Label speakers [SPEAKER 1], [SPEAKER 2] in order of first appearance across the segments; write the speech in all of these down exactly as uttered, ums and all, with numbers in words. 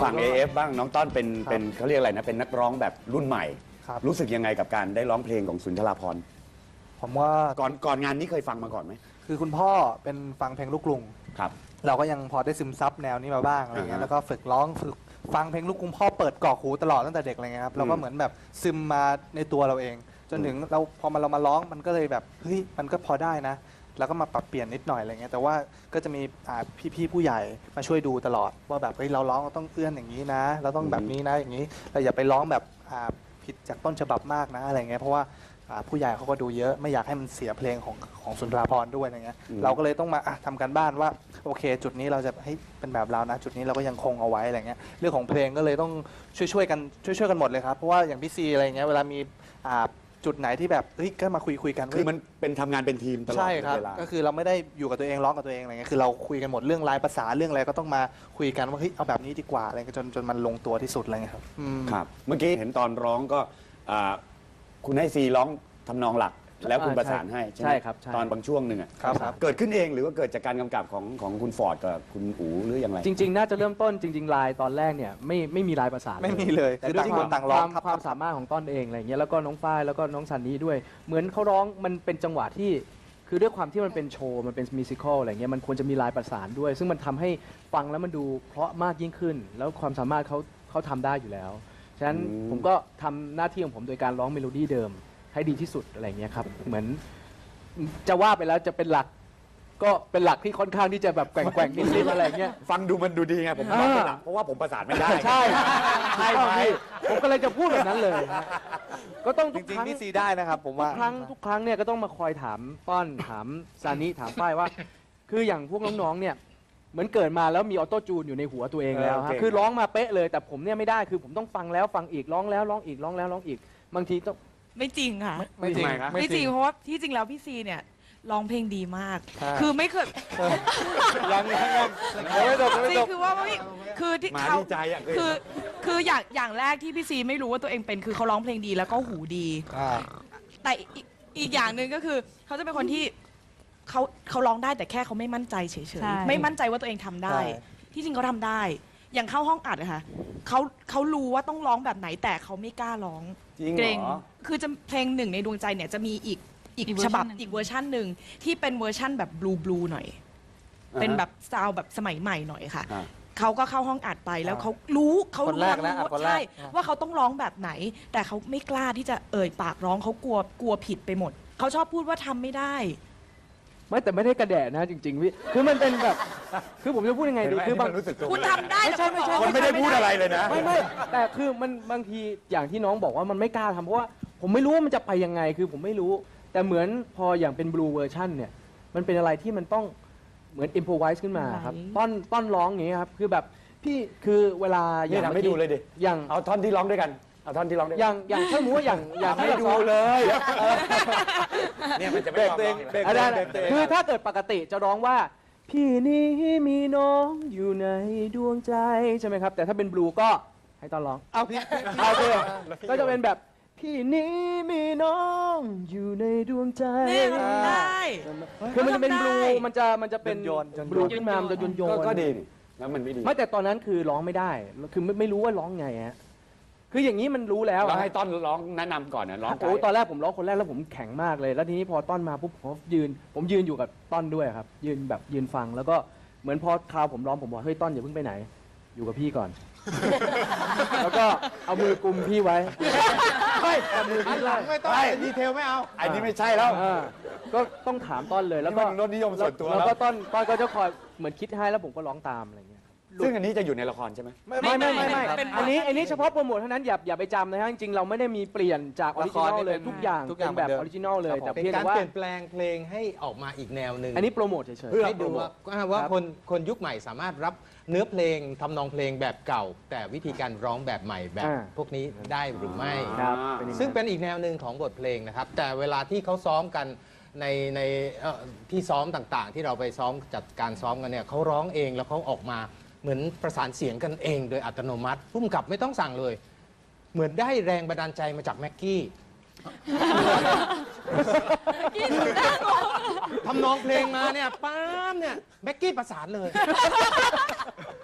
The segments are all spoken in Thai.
[SPEAKER 1] ฝั่ง เอ เอฟ บ้างน้องต้อนเป็นเป็นเขาเรียกอะไรนะเป็นนักร้องแบบรุ่นใหม่
[SPEAKER 2] ครับ
[SPEAKER 1] รู้สึกยังไงกับการได้ร้องเพลงของสุนทราภรณ์
[SPEAKER 2] ผมว่า
[SPEAKER 1] ก่อนก่อนงานนี้เคยฟังมาก่อนไหม
[SPEAKER 2] คือคุณพ่อเป็นฟังเพลงลูกกรุง
[SPEAKER 1] ครับ
[SPEAKER 2] เราก็ยังพอได้ซึมซับแนวนี้มาบ้างอะไรเงี้ย
[SPEAKER 1] อ่าฮะ
[SPEAKER 2] แล้วก็ฝึกร้องฝึกฟังเพลงลูกกรุงพ่อเปิดกรอกหูตลอดตั้งแต่เด็กอะไรเงี้ยครับเราก็เหมือนแบบซึมมาในตัวเราเอง จนถึงเราพอมาเรามาร้องมันก็เลยแบบเฮ้ยมันก็พอได้นะ แล้วก็มาปรับเปลี่ยนนิดหน่อยอะไรเงี้ยแต่ว่าก็จะมีอ่าพี่ๆผู้ใหญ่มาช่วยดูตลอดว่าแบบเฮ้ยเราร้องเราต้องเอื้อนอย่างนี้นะ เราต้องแบบนี้นะอย่างนี้เราอย่าไปร้องแบบอ่าผิดจากต้นฉบับมากนะอะไรเงี้ยเพราะว่าอ่าผู้ใหญ่เขาก็ดูเยอะไม่อยากให้มันเสียเพลงของของสุนทราภรณ์ด้วยอะไรเงี้ย
[SPEAKER 1] อืม
[SPEAKER 2] เราก็เลยต้องมาอ่ะทำการบ้านว่าโอเค จุดนี้เราจะให้เป็นแบบเรานะ จุดนี้เราก็ยังคงเอาไว้อะไรเงี้ยเรื่องของเพลงก็เลยต้องช่วยช่วยๆกันช่วยช่วยๆกันหมดเลยครับเพราะว่าอย่างพี่ซีอะไรเงี้ยเวลามีอ่าจุดไหนที่แบบเฮ้ยก็มาคุยคุยกัน
[SPEAKER 1] คือมันเป็นทำงานเป็นทีมตลอด
[SPEAKER 2] ใช่ครับ
[SPEAKER 1] เวลา
[SPEAKER 2] ก็คือเราไม่ได้อยู่กับตัวเองร้องกับตัวเองอะไรเงี้ยคือเราคุยกันหมดเรื่องลายภาษาเรื่องอะไรก็ต้องมาคุยกันว่าเฮ้ยเอาแบบนี้ดีกว่าอะไรเงี้ยจนจนมันลงตัวที่สุดอะไรเงี้ยครับอืม
[SPEAKER 1] ครับเมื่อกี้เห็นตอนร้องก็อ่าคุณให้ซีร้องทำนองหลัก แล้วคุณประสานให้ใช่ไหม
[SPEAKER 3] ใช่ครับใช่
[SPEAKER 1] ตอนบางช่วงหนึ่งอะ
[SPEAKER 2] ครับครับ
[SPEAKER 1] เกิดขึ้นเองหรือว่าเกิดจากการกำกับของของคุณฟอร์ดกับคุณอูหรือยังไง
[SPEAKER 3] จริงๆ น่าจะเริ่มต้นจริงๆลายตอนแรกเนี่ยไม่ไม่มีลายประสาน
[SPEAKER 2] ไม่มีเลย
[SPEAKER 3] แต่
[SPEAKER 2] คือ
[SPEAKER 3] ด้วย
[SPEAKER 2] ต่าง
[SPEAKER 3] ค
[SPEAKER 2] คน
[SPEAKER 3] วาม
[SPEAKER 2] ต่างร้อง
[SPEAKER 3] ความความสามารถของต้นเองอะไรเงี้ยแล้วก็น้องฝ้ายแล้วก็น้องซันนี่ด้วย เหมือนเขาร้องมันเป็นจังหวะที่คือด้วยความที่มันเป็นโชว์มันเป็นมิวสิควลอะไรเงี้ยมันควรจะมีลายประสานด้วย ซึ่งมันทำให้ฟังแล้วมันดูเพราะมากยิ่งขึ้น แล้วความสามารถเขาเขาทำได้อยู่แล้วฉะนั้น
[SPEAKER 1] อืม
[SPEAKER 3] ผมก็ทำหน้าที่ของผมโดยการร้องเมโลดี้เดิมให้ดีที่สุดอะไรเงี้ยครับเหมือนจะว่าไปแล้วจะเป็นหลัก ก็เป็นหลักที่ค่อนข้างที่จะแบบแกว่งๆนิดๆอะไรเงี้ย
[SPEAKER 1] ฟังดูมันดูดีไงผม
[SPEAKER 3] อ่า
[SPEAKER 1] ร้องเป็นหลักเพราะว่าผมประสานไม่ได้
[SPEAKER 3] ใช่
[SPEAKER 1] ใช่ไหม
[SPEAKER 3] ผมก็เลยจะพูดแบบนั้นเลยฮะก็ต้อง
[SPEAKER 2] จ
[SPEAKER 3] ทุก
[SPEAKER 2] ริง
[SPEAKER 3] ครั้ง
[SPEAKER 2] ๆพี่ซีได้นะครับผม
[SPEAKER 3] ทุ
[SPEAKER 2] ว่าก
[SPEAKER 3] ครั้งทุกครั้งเนี่ยก็ต้องมาคอยถามต้อนถามซานิถามฝ้ายว่า คืออย่างพวกน้องๆเนี่ยเหมือนเกิดมาแล้วมีออโต้จูนอยู่ในหัวตัวเองแล้วฮะคือร้องมาเป๊ะเลยแต่ผมเนี่ยไม่ได้คือผมต้องฟังแล้วฟังอีกร้องแล้วร้องอีกร้องแล้วร้องอีกบางทีต้อง
[SPEAKER 4] ไม่จริงค่ะ
[SPEAKER 2] ไม่จริง
[SPEAKER 4] ไม่จริงเพราะว่าที่จริงแล้วพี่ซีเนี่ยร้องเพลงดีมาก
[SPEAKER 2] ใช่
[SPEAKER 4] คือไม่เคย
[SPEAKER 2] ยังยังยังไม่จบยังไม่
[SPEAKER 4] จริ
[SPEAKER 2] จ
[SPEAKER 4] ง
[SPEAKER 2] บ
[SPEAKER 4] คือว่าไม่คือที่
[SPEAKER 1] หมา
[SPEAKER 4] เขา
[SPEAKER 1] ดีใจอ่ะเคย
[SPEAKER 4] คือคืออย่างอย่างแรกที่พี่ซีไม่รู้ว่าตัวเองเป็นคือเขาร้องเพลงดีแล้วก็หูดี
[SPEAKER 2] อ่า
[SPEAKER 4] แต่อีกอีกอย่างหนึ่งก็คือเขาจะเป็นคนที่เขาเขาร้องได้แต่แค่เขาไม่มั่นใจเฉย
[SPEAKER 5] ใช่
[SPEAKER 4] ๆไม่มั่นใจว่าตัวเองทำได้
[SPEAKER 2] ใช่
[SPEAKER 4] ที่จริงเขาทำได้ อย่างเข้าห้องอัดอะค่ะเขาเขารู้ว่าต้องร้องแบบไหนแต่เขาไม่กล้าร้อง
[SPEAKER 1] จริง
[SPEAKER 4] เก
[SPEAKER 1] เห
[SPEAKER 4] ร
[SPEAKER 1] รง อ
[SPEAKER 4] คือจะเพลงหนึ่งในดวงใจเนี่ยจะมีอีกอีก
[SPEAKER 5] อีกเวอร์
[SPEAKER 4] ฉ
[SPEAKER 5] ชัน
[SPEAKER 4] บับ
[SPEAKER 5] หนึ่ง
[SPEAKER 4] อีกเวอร์ชันหนึ่งที่เป็นเวอร์ชันแบบบลูบลูหน่อย เป็นแบบซาวด์แบบสมัยใหม่หน่อยค่ะ
[SPEAKER 1] อ่า
[SPEAKER 4] เขาก็เข้าห้องอัดไปแล้ว
[SPEAKER 2] อ่า
[SPEAKER 4] เขารู้เขา
[SPEAKER 2] คน
[SPEAKER 4] รู้
[SPEAKER 2] แรกนะ
[SPEAKER 4] ว่า
[SPEAKER 2] อัดคนแรก
[SPEAKER 4] ใช่
[SPEAKER 2] อ่า
[SPEAKER 4] ว่าเขาต้องร้องแบบไหน แต่เขาไม่กล้าที่จะเอ่ยปากร้องเขากลัวกลัวผิดไปหมด เขาชอบพูดว่าทำไม่ได้
[SPEAKER 3] ไม่แต่ไม่ได้กระแดะนะจริงๆพี่คือมันเป็นแบบคือผมจะพูดยังไงดีคือบาง
[SPEAKER 1] รู้สึกตัว
[SPEAKER 4] คุณทำได้
[SPEAKER 3] ไม่ใช่ไม่ใช่
[SPEAKER 1] คนไม่ได้พูดอะไรเลยนะ
[SPEAKER 3] ไม่ไม่แต่คือมันบางทีอย่างที่น้องบอกว่ามันไม่กล้าทำเพราะว่าผมไม่รู้ว่ามันจะไปยังไงคือผมไม่รู้ แต่เหมือนพออย่างเป็นบลูเวอร์ชันเนี่ยมันเป็นอะไรที่มันต้องเหมือนอิมพอไวส์ขึ้นมาครับ
[SPEAKER 5] ไหว
[SPEAKER 3] ต้อนต้อนร้องอย่างนี้ยครับคือแบบพี่คือเวลาอ
[SPEAKER 1] นี่
[SPEAKER 3] ย่าง
[SPEAKER 1] ทำให้
[SPEAKER 3] มื่อกี้
[SPEAKER 1] ดูเลยดิ
[SPEAKER 3] อย่าง
[SPEAKER 1] เอาท่อนที่ร้องด้วยกัน เอาท่อนที่ร้องด้วย
[SPEAKER 3] อ
[SPEAKER 1] กัน
[SPEAKER 3] ย่างอย่างถ้าสมมติว่าอย่างอย่าง
[SPEAKER 1] ให้ดูเลย เนี่ยมันจะไม่ยอมร้อง
[SPEAKER 2] เบรก
[SPEAKER 3] อ่ะได้
[SPEAKER 2] เบรกเบรก
[SPEAKER 3] คือถ้าเกิดปกติจะร้องว่า พี่นี้มีน้องอยู่ในดวงใจใช่ไหมครับ แต่ถ้าเป็นบลูก็ให้ต้อนร้อง
[SPEAKER 2] เอาพี่
[SPEAKER 3] โอเคก็จะเป็นแบบพี่นี้มีน้องอยู่ในดวงใจ
[SPEAKER 4] เนี่ยทำได้
[SPEAKER 3] คือมันจะเป็นบลู
[SPEAKER 4] ทำได้
[SPEAKER 3] มันจะมันจะเป็น
[SPEAKER 2] โยนโยน
[SPEAKER 3] บลูขึ้นมามันจะโยนโย
[SPEAKER 1] ก็
[SPEAKER 3] น
[SPEAKER 1] ก็ดีนี่แล้วมันไม่ดี
[SPEAKER 3] ไม่แต่ตอนนั้นคือร้องไม่ได้คือไม่ไม่รู้ว่าร้องไงฮะคืออย่างนี้มันรู้แล้ว
[SPEAKER 1] เรา
[SPEAKER 3] อะ
[SPEAKER 1] ให้ต้อนร้องแนะนำก่อนนะร้องไก
[SPEAKER 3] โอ้
[SPEAKER 1] ด์
[SPEAKER 3] ตอนแรกผมร้องคนแรกแล้วผมแข็งมากเลย แล้วทีนี้พอต้อนมาปุ๊บผมยืน ผมยืนอยู่กับต้อนด้วยครับ ยืนแบบยืนฟังแล้วก็เหมือนพอคราวผมร้องผมบอกเฮ้ยต้อนอย่าเพิ่งไปไหน อยู่กับพี่ก่อน แล้วก็เอามือกุมพี่ไว้เฮ้ยเอามือพี่ไว้
[SPEAKER 2] ไม่ต้องดีเทลไม่เอา
[SPEAKER 1] อันนี้ไม่ใช่แล้ว
[SPEAKER 3] อ่าก็ต้องถามต้อนเลยแล้วก็
[SPEAKER 1] นี่มันรสนิยมส่วนตัว
[SPEAKER 3] แล้ว
[SPEAKER 1] แล้ว
[SPEAKER 3] ก็ต้อนต้อนก็จะคอยเหมือนคิดให้แล้วผมก็ร้องตามอะไรเงี้ย
[SPEAKER 1] ซึ่งอันนี้จะอยู่ในละครใช่ไหม
[SPEAKER 3] ไม่ไม่ไม่ไม่
[SPEAKER 4] เป็น
[SPEAKER 3] อันนี้อันนี้เฉพาะโปรโมทเท่านั้นอย่าอย่าไปจำนะฮะจริงๆเราไม่ได้มีเปลี่ยนจากออริจินอลเลยทุกอย่าง
[SPEAKER 2] ทุกอย่าง
[SPEAKER 3] เป็นแบบ
[SPEAKER 2] เหมือนเดิม
[SPEAKER 3] ออริจินอลเลยแต่
[SPEAKER 6] เป็น
[SPEAKER 3] เพียง
[SPEAKER 6] การ
[SPEAKER 3] แต่ว่า
[SPEAKER 6] เปลี่ยนแปลงเพลงให้ออกมาอีกแนวหนึ่ง
[SPEAKER 3] อันนี้โปรโมทเฉยๆ
[SPEAKER 1] เพื่อ
[SPEAKER 6] ให้ดูว่าว่า
[SPEAKER 3] ครับ
[SPEAKER 6] คนคนยุคใหม่สามารถรับเนื้อเพลงทำนองเพลงแบบเก่า แต่วิธีการร้องแบบใหม่แบบ
[SPEAKER 3] อ่า
[SPEAKER 6] พวกนี้ได้หรือไม่
[SPEAKER 3] ครับ
[SPEAKER 1] อ่า
[SPEAKER 3] เป็นอย่างนั้น
[SPEAKER 6] ซึ่งเป็นอีกแนวหนึ่งของบทเพลงนะครับ แต่เวลาที่เขาซ้อมกันในในเอ่อที่ซ้อมต่างๆ ที่เราไปซ้อมจัดการซ้อมกันเนี่ยเขาร้องเองแล้วเขาออกมาเหมือนประสานเสียงกันเองโดยอัตโนมัติพุ่มกับไม่ต้องสั่งเลย เหมือนได้แรงบันดาลใจมาจากแม็กกี้ทำนองเพลงมาเนี่ยป้ามเนี่ยแม็กกี้ประสานเลย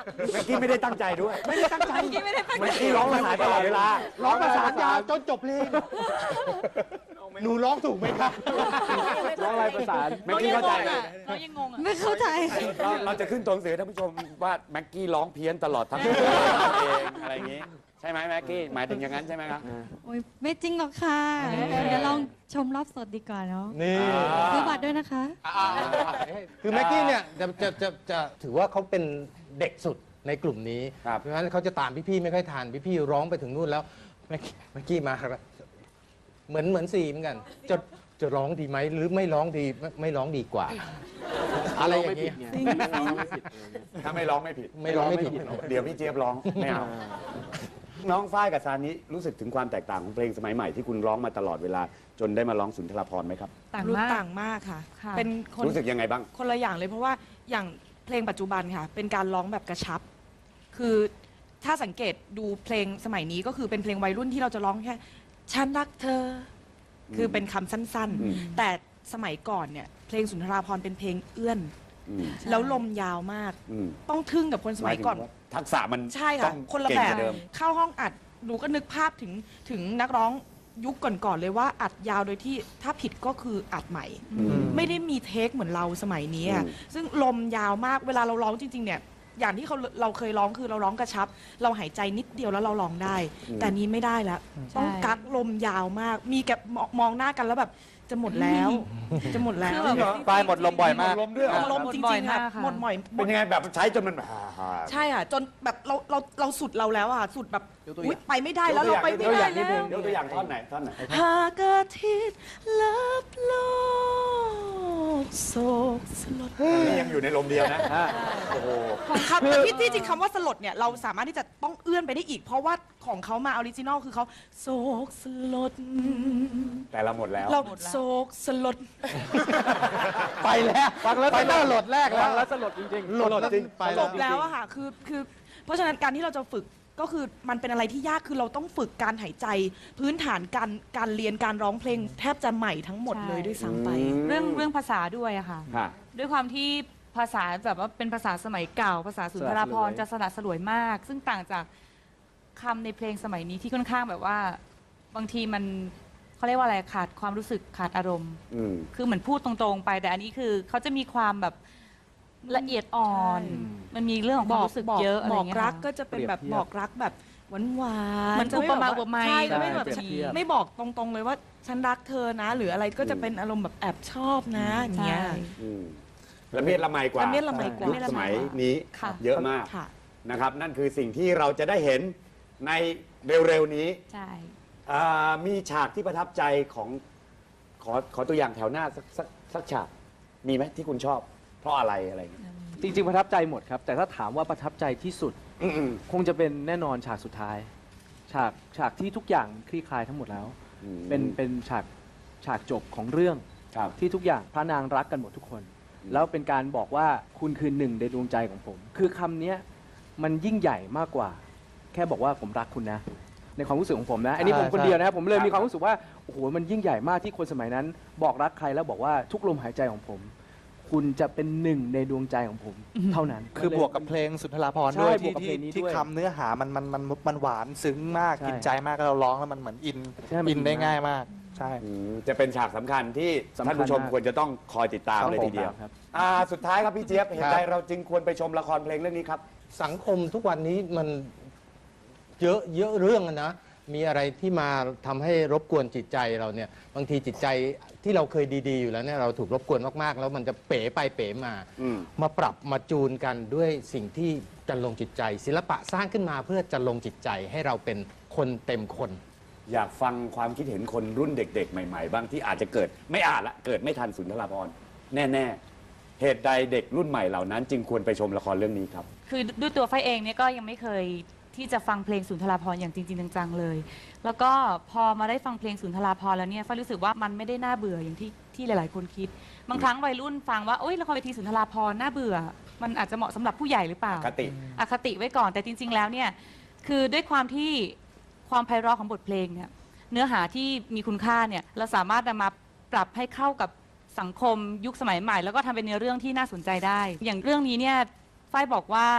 [SPEAKER 1] เมื่อกี้ไม่ได้ตั้งใจด้วย
[SPEAKER 6] ไม่ได้ตั้งใจ
[SPEAKER 1] เมื่อกี้ร้องภาษานตลอดเวลา
[SPEAKER 6] ร้องประสานยาวจนจบเพลง หนูร้องถูกไหมครับ
[SPEAKER 3] ร้องลายประสาน
[SPEAKER 1] เมื่อกี้เข้าใจ
[SPEAKER 4] น้องยังงงอ่ะ
[SPEAKER 5] ไม่เข้าใจ
[SPEAKER 1] เราเราจะขึ้นตัวหนังสือให้ท่านผู้ชมว่าแม็กกี้ร้องเพี้ยนตลอดทั้งเพลงเองอะไรอย่างงี้ ใช่ไหมแม็กกี้หมายถึงอย่างนั้นใช่ไหมครับ
[SPEAKER 5] โอ้ยไม่จริงหรอกค่ะ เดี๋ยวลองชมรอบสดดีกว่าเนาะ
[SPEAKER 6] นี่
[SPEAKER 5] ซื้อบัตรด้วยนะคะ
[SPEAKER 6] คือแม็กกี้เนี่ยจะจะจะจะถือว่าเขาเป็นเด็กสุดในกลุ่มนี้
[SPEAKER 1] ครับ
[SPEAKER 6] เพราะฉะนั้นเขาจะตามพี่ๆไม่ค่อยทันพี่ๆร้องไปถึงนู่นแล้วแม็กกี้แม็กกี้มาครับเหมือนเหมือนซีเหมือนกัน จะจะร้องดีไหมหรือไม่ร้องดีไม่ไม่ร้องดีกว่า อะไรอย่างเงี้ย
[SPEAKER 1] ถ้าไม่ร้องไม่ผิด
[SPEAKER 6] ไม่ร้องไม่ผิด
[SPEAKER 1] เดี๋ยวพี่เจี๊ยบร้องไม่เอาน้องฝ้ายกับซานิรู้สึกถึงความแตกต่างของเพลงสมัยใหม่ที่คุณร้องมาตลอดเวลา จนได้มาร้องสุนทรภรณ์ไหมครับ
[SPEAKER 5] ต่าง
[SPEAKER 4] รู้
[SPEAKER 5] มาก
[SPEAKER 4] ต่างมากค่ะ
[SPEAKER 5] ค่ะ
[SPEAKER 4] เป็นคน
[SPEAKER 1] รู้สึกยังไงบ้าง
[SPEAKER 4] คนละอย่างเลยเพราะว่าอย่างเพลงปัจจุบันค่ะ เป็นการร้องแบบกระชับ คือถ้าสังเกตดูเพลงสมัยนี้ก็คือเป็นเพลงวัยรุ่นที่เราจะร้องแค่ฉันรักเธอ คือเป็นคำสั้น
[SPEAKER 1] อืม
[SPEAKER 4] ๆ แต่สมัยก่อนเนี่ยเพลงสุนทราภรณ์เป็นเพลงเอื้อน
[SPEAKER 1] อืม
[SPEAKER 4] แล้วลมยาวมาก
[SPEAKER 1] อืม
[SPEAKER 4] ต้องทึ่งกับคนสมัยก่อน
[SPEAKER 1] หาถึงว่าทักษะมัน
[SPEAKER 4] ใช่
[SPEAKER 1] ต้
[SPEAKER 4] ค่ะ
[SPEAKER 1] อง
[SPEAKER 4] คนละ
[SPEAKER 1] เก่ง
[SPEAKER 4] แบบ
[SPEAKER 1] กว่าเดิม
[SPEAKER 4] เข้าห้องอัดหนูก็นึกภาพถึงถึงนักร้องยุคก่อนๆเลยว่าอัดยาวโดยที่ถ้าผิดก็คืออัดใหม่
[SPEAKER 1] อืม
[SPEAKER 4] ไม่ได้มีเทคเหมือนเราสมัยนี้อะ
[SPEAKER 1] อืม
[SPEAKER 4] ซึ่งลมยาวมากเวลาเราร้องจริง ๆ เนี่ย อย่างที่เขาเราเคยร้องคือเราร้องกระชับ เราหายใจนิดเดียวแล้วเราร้องได้ แต่นี้ไม่ได้แล้ว ต้องกักลมยาวมาก มีแกมองมองหน้ากันแล้วแบบจะหมดแล้ว จะหมดแล้ว
[SPEAKER 2] ปลายหมดลมบ่อยมาก
[SPEAKER 1] ลมด้วยเหรอ
[SPEAKER 4] ลมจริงๆค่ะหมดบ่อยหม
[SPEAKER 1] เป็
[SPEAKER 4] ด
[SPEAKER 1] นยังไงแบบใช้จนมัน
[SPEAKER 4] ใช่ค่ะจนแบบเราเราเราสุดเราแล้วอ่ะสุดแบบ
[SPEAKER 3] ยกตัวอ
[SPEAKER 4] อุ๊ย
[SPEAKER 3] ย่าง
[SPEAKER 4] ไปไม่ได้แล้วเราไปไม่ได้แล้ว
[SPEAKER 1] ยกตัวอย่างท่อนไหนท่อนไหน
[SPEAKER 4] หากอาทิตย์ลับโลกโศกสลด
[SPEAKER 1] นี่ยังอยู่ในลมเดียวนะ
[SPEAKER 3] อ่า
[SPEAKER 1] โอ้โห
[SPEAKER 4] คำแต่ที่ที่จริงคำว่าสลดเนี่ยเราสามารถที่จะต้องเอื้อนไปได้อีก เพราะว่าของเขามาออริจินอลคือเขาโศกสลด
[SPEAKER 1] แต่เราหมดแล้ว
[SPEAKER 4] เราโศกสลด
[SPEAKER 6] ไปแล้ว
[SPEAKER 3] ฟังแล้ว
[SPEAKER 6] ไปหน้าโหลดแรกแล้
[SPEAKER 3] ฟั
[SPEAKER 6] ว
[SPEAKER 3] งแล้วสลดจริงๆ
[SPEAKER 6] โหลดจริงไป
[SPEAKER 4] จ
[SPEAKER 6] แล้ว
[SPEAKER 4] บแล้วอะค่ะคือคือเพราะฉะนั้นการที่เราจะฝึกก็คือมันเป็นอะไรที่ยากคือเราต้องฝึกการหายใจ พื้นฐานการการเรียนการร้องเพลงแทบจะใหม่ทั้งหมดเลยด้วยซ้ำไป
[SPEAKER 7] เรื่องเรื่องภาษาด้วยอะค่ะ
[SPEAKER 1] ค่ะ
[SPEAKER 7] ด้วยความที่ภาษาแบบว่าเป็นภาษาสมัยเก่า ภาษาสุนทรภรณ์
[SPEAKER 3] สละสลวย
[SPEAKER 7] จะสละสลวยมาก ซึ่งต่างจากคำในเพลงสมัยนี้ที่ค่อนข้างแบบว่า บางทีมันเขาเรียกว่าอะไรขาดความรู้สึกขาดอารมณ์
[SPEAKER 1] อืม
[SPEAKER 7] คือเหมือนพูดตรงๆไป แต่อันนี้คือเขาจะมีความแบบละเอียดอ่อน
[SPEAKER 4] ใช่
[SPEAKER 7] มันมีเรื่องของความรู้สึกเยอะอะไร
[SPEAKER 4] บอก
[SPEAKER 7] เงี้ย
[SPEAKER 4] รัก
[SPEAKER 7] ค่ะ
[SPEAKER 4] ก็จะเป็นแบบ
[SPEAKER 3] เปรียบเทียบ
[SPEAKER 4] บอกรักแบบหวานหวาน
[SPEAKER 7] เหมือนอุปมาอุปไมย
[SPEAKER 4] ใช่จะไม่แบบ
[SPEAKER 3] ใช่เปรียบเทียบ
[SPEAKER 4] ไม่บอกตรงๆเลยว่าฉันรักเธอนะ หรืออะไรก็จะเป็นอารมณ์แบบแอบชอบนะอย่างเงี้ย
[SPEAKER 7] ใช่
[SPEAKER 1] อืมละเมียดละไมกว่า
[SPEAKER 4] ละเมียดละไมกว่า
[SPEAKER 1] ยุคสมัยนี้
[SPEAKER 7] ค่ะ
[SPEAKER 1] เยอะมาก
[SPEAKER 4] ค่ะ
[SPEAKER 1] นะครับ นั่นคือสิ่งที่เราจะได้เห็นในเร็วๆนี้
[SPEAKER 7] ใช่
[SPEAKER 1] อ่ามีฉากที่ประทับใจของขอขอตัวอย่างแถวหน้าสักสักสักฉาก มีไหมที่คุณชอบ เพราะอะไรอะไรอย่างเงี้ย
[SPEAKER 3] จริงๆประทับใจหมดครับ แต่ถ้าถามว่าประทับใจที่สุด
[SPEAKER 1] อืม
[SPEAKER 3] คงจะเป็นแน่นอนฉากสุดท้าย ฉากฉากที่ทุกอย่างคลี่คลายทั้งหมดแล้ว
[SPEAKER 1] อืม
[SPEAKER 3] เป็นเป็นฉากฉากจบของเรื่อง
[SPEAKER 1] ครับ
[SPEAKER 3] ที่ทุกอย่างพระนางรักกันหมดทุกคน แล้วเป็นการบอกว่าคุณคือหนึ่งในดวงใจของผม คือคำเนี้ยมันยิ่งใหญ่มากกว่า แค่บอกว่าผมรักคุณนะ ในความรู้สึกของผมนะ อันนี้ผมคนเดียวนะครับผมเลยมีความรู้สึกว่าโอ้โหมันยิ่งใหญ่มากที่คนสมัยนั้น บอกรักใครแล้วบอกว่าทุกลมหายใจของผม คุณจะเป็นหนึ่งในดวงใจของผม เท่านั้น
[SPEAKER 2] คือบวกกับเพลงสุนทรภรณ์
[SPEAKER 3] ใช่
[SPEAKER 2] ด้วย
[SPEAKER 3] บว
[SPEAKER 2] ที่
[SPEAKER 3] กกับเพ
[SPEAKER 2] ที่
[SPEAKER 3] ลงนี้
[SPEAKER 2] ที่
[SPEAKER 3] ด้วย
[SPEAKER 2] คำเนื้อหามันมันมันมันหวานซึ้งมาก
[SPEAKER 3] ใช่
[SPEAKER 2] กินใจมากแล้วเราร้องแล้วมันเหมือนอิน
[SPEAKER 3] ใช่มัน
[SPEAKER 2] อินได้
[SPEAKER 3] อินมาก
[SPEAKER 2] ง่ายมาก ใช่
[SPEAKER 1] อืมจะเป็นฉากสำคัญที่
[SPEAKER 3] สำคัญ
[SPEAKER 1] ท่านผู้ชม
[SPEAKER 3] มาก
[SPEAKER 1] ควรจะต้องคอยติดตาม
[SPEAKER 3] ต้อง
[SPEAKER 1] เลยทีเดียว
[SPEAKER 3] ติดตามครับ
[SPEAKER 1] อ่าสุดท้ายครับพี่เจี๊ยบเหตุใด
[SPEAKER 6] ครับ
[SPEAKER 1] เราจึงควรไปชมละครเพลงเรื่องนี้ครับ
[SPEAKER 6] สังคมทุกวันนี้มันเยอะเยอะเรื่องอะนะ มีอะไรที่มาทำให้รบกวนจิตใจเราเนี่ย บางทีจิตใจที่เราเคยดีๆอยู่แล้วเนี่ยเราถูกรบกวนมากๆ แล้วมันจะเป๋ไปเป๋มา
[SPEAKER 1] อืม
[SPEAKER 6] มาปรับมาจูนกันด้วยสิ่งที่จะลงจิตใจ ศิลปะสร้างขึ้นมาเพื่อจะลงจิตใจให้เราเป็นคนเต็มคน
[SPEAKER 1] อยากฟังความคิดเห็นคนรุ่นเด็ก ๆ ใหม่ๆ บ้างที่อาจจะเกิดไม่อาจละเกิดไม่ทันสุนทรภรณ์แน่ๆ เหตุใดเด็กรุ่นใหม่เหล่านั้น จึงควรไปชมละครเรื่องนี้ครับ
[SPEAKER 7] คือด้วยตัวไฟเองเนี่ยก็ยังไม่เคยที่จะฟังเพลงสุนทรภรณ์อย่างจริงๆจังๆเลย แล้วก็พอมาได้ฟังเพลงสุนทรภรณ์แล้วเนี่ยไฟรู้สึกว่ามันไม่ได้น่าเบื่ออย่างที่ที่หลายๆ คนคิด บางครั้งวัยรุ่นฟังว่าโอ๊ยละครเวทีสุนทรภรณ์น่าเบื่อ มันอาจจะเหมาะสำหรับผู้ใหญ่หรือเปล่า
[SPEAKER 1] คติ
[SPEAKER 7] อคติไว้ก่อนแต่จริง ๆ แล้วเนี่ยคือด้วยความที่ความไพเราะของบทเพลงเนี่ยเนื้อหาที่มีคุณค่าเนี่ยเราสามารถนำมาปรับให้เข้ากับสังคมยุคสมัยใหม่ แล้วก็ทำเป็นเนื้อเรื่องที่น่าสนใจได้ อย่างเรื่องนี้เนี่ยฝ้ายบอกว่า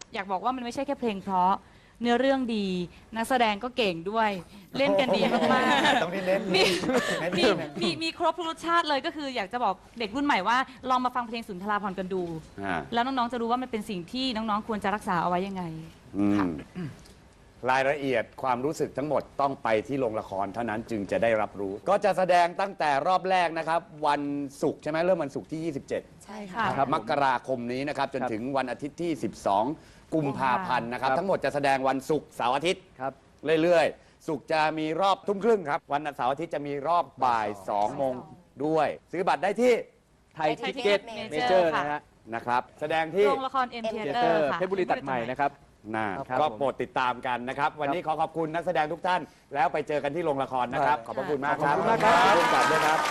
[SPEAKER 7] อยากบอกว่ามันไม่ใช่แค่เพลงเพราะเนื้อเรื่องดี นักแสดงก็เก่งด้วย เล่นกันดีมากๆ
[SPEAKER 1] ต้องที่เน้น
[SPEAKER 7] มี
[SPEAKER 1] เน้น
[SPEAKER 7] มี
[SPEAKER 1] ที่เน้น
[SPEAKER 7] มีมีครบทุกรสชาติเลยก็คืออยากจะบอกเด็กรุ่นใหม่ว่าลองมาฟังเพลงสุนทราภรณ์กันดู
[SPEAKER 1] อ่า
[SPEAKER 7] แล้วน้องๆจะรู้ว่ามันเป็นสิ่งที่น้องๆควรจะรักษาเอาไว้ยังไง
[SPEAKER 1] อื
[SPEAKER 7] ค่ะ
[SPEAKER 1] มรายละเอียดความรู้สึกทั้งหมดต้องไปที่โรงละครเท่านั้นจึงจะได้รับรู้ ก็จะแสดงตั้งแต่รอบแรกนะครับ วันศุกร์ใช่ไหมเริ่มวันศุกร์ที่ ยี่สิบเจ็ด
[SPEAKER 4] ใช่ค่ะ
[SPEAKER 3] ครับ
[SPEAKER 1] มกราคมนี้นะครับ จนถึงวันอาทิตย์ที่ สิบสอง กุมภาพันธ์นะครับ
[SPEAKER 3] ครับ
[SPEAKER 1] ทั้งหมดจะแสดงวันศุกร์เสาร์อาทิตย์
[SPEAKER 3] ครับ
[SPEAKER 1] เรื่อยๆ ศุกร์จะมีรอบทุ่มครึ่งครับ วันเสาร์อาทิตย์จะมีรอบบ่าย2โมงด้วย ซื้อบัตรได้ที่
[SPEAKER 3] ไทยทิเก็ต
[SPEAKER 7] Major
[SPEAKER 3] เมเจอร์
[SPEAKER 7] ค่ะ
[SPEAKER 3] นะฮะ
[SPEAKER 1] นะครับ แสดงที่
[SPEAKER 7] โรงละคร M
[SPEAKER 3] เท
[SPEAKER 7] Theater
[SPEAKER 3] เตอร์
[SPEAKER 7] ค่ะ
[SPEAKER 3] เพชรบุรีตัดใหม่นะครับ
[SPEAKER 1] น่า
[SPEAKER 3] ครับ
[SPEAKER 1] ก็
[SPEAKER 3] ผม
[SPEAKER 1] โปรดติดตามกันนะครับ วันนี้ขอขอบคุณนักแสดงทุกท่าน แล้วไปเจอกันที่โรงละครนะครับ ขอบพระคุณมากครับ
[SPEAKER 3] ขอบคุณมากครับ
[SPEAKER 1] ร่วมกันด้วยครับ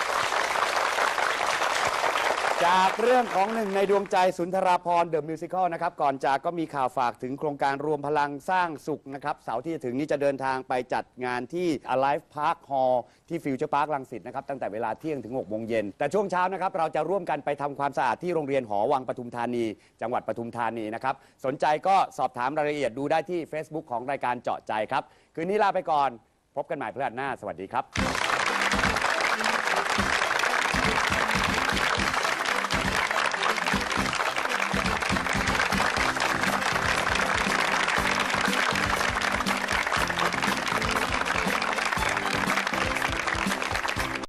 [SPEAKER 1] จากเรื่องของหนึ่งในดวงใจสุนทราภรณ์เดอะมิวสิคลนะครับ ก่อนจากก็มีข่าวฝากถึงโครงการรวมพลังสร้างสุขนะครับ เสาร์ที่จะถึงนี้จะเดินทางไปจัดงานที่ Alive Park Hall ที่ฟิวเจอร์พาร์ครังสิตนะครับ ตั้งแต่เวลาเที่ยงถึงหกโมงเย็นแต่ช่วงเช้านะครับ เราจะร่วมกันไปทำความสะอาดที่โรงเรียนหอวังปทุมธานี จังหวัดปทุมธานีนะครับ สนใจก็สอบถามรายละเอียดดูได้ที่ Facebook ของรายการเจาะใจครับคืนนี้ลาไปก่อนพบกันใหม่พฤหัสหน้าสวัสดีครับ